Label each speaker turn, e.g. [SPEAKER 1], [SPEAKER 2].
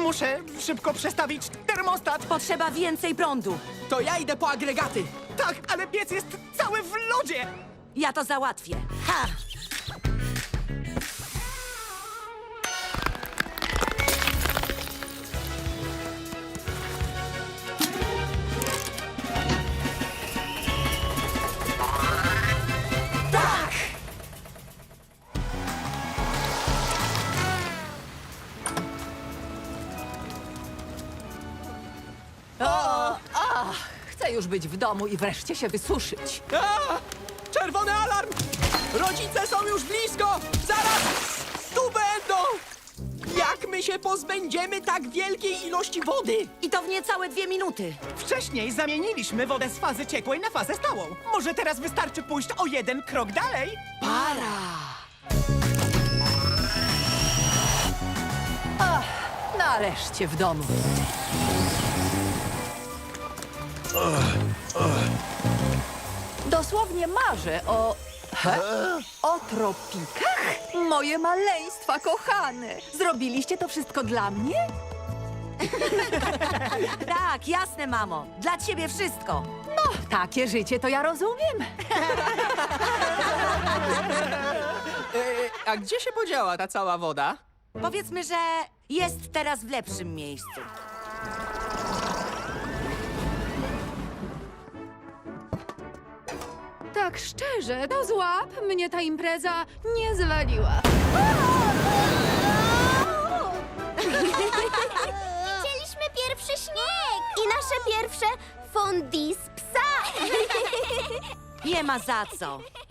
[SPEAKER 1] Muszę szybko przestawić termostat.
[SPEAKER 2] Potrzeba więcej prądu.
[SPEAKER 3] To ja idę po agregaty.
[SPEAKER 1] Tak, ale piec jest cały w lodzie.
[SPEAKER 2] Ja to załatwię. Ha! Tak!
[SPEAKER 4] Chcę już być w domu i wreszcie się wysuszyć.
[SPEAKER 3] A! Czerwony alarm! Rodzice są już blisko! Zaraz tu będą! Jak my się pozbędziemy tak wielkiej ilości wody?
[SPEAKER 2] I to w niecałe 2 minuty.
[SPEAKER 1] Wcześniej zamieniliśmy wodę z fazy ciekłej na fazę stałą. Może teraz wystarczy pójść o jeden krok dalej?
[SPEAKER 4] Nareszcie w domu. Dosłownie marzę o tropikach. Moje maleństwa kochane. Zrobiliście to wszystko dla mnie?
[SPEAKER 2] Tak, jasne, mamo. Dla ciebie wszystko.
[SPEAKER 4] No, takie życie to ja rozumiem.
[SPEAKER 3] A gdzie się podziała ta cała woda?
[SPEAKER 2] Powiedzmy, że jest teraz w lepszym miejscu.
[SPEAKER 5] Tak szczerze, to złap, mnie ta impreza nie zwaliła.
[SPEAKER 6] Widzieliśmy pierwszy śnieg i nasze pierwsze fondue z psa.
[SPEAKER 2] Nie ma za co.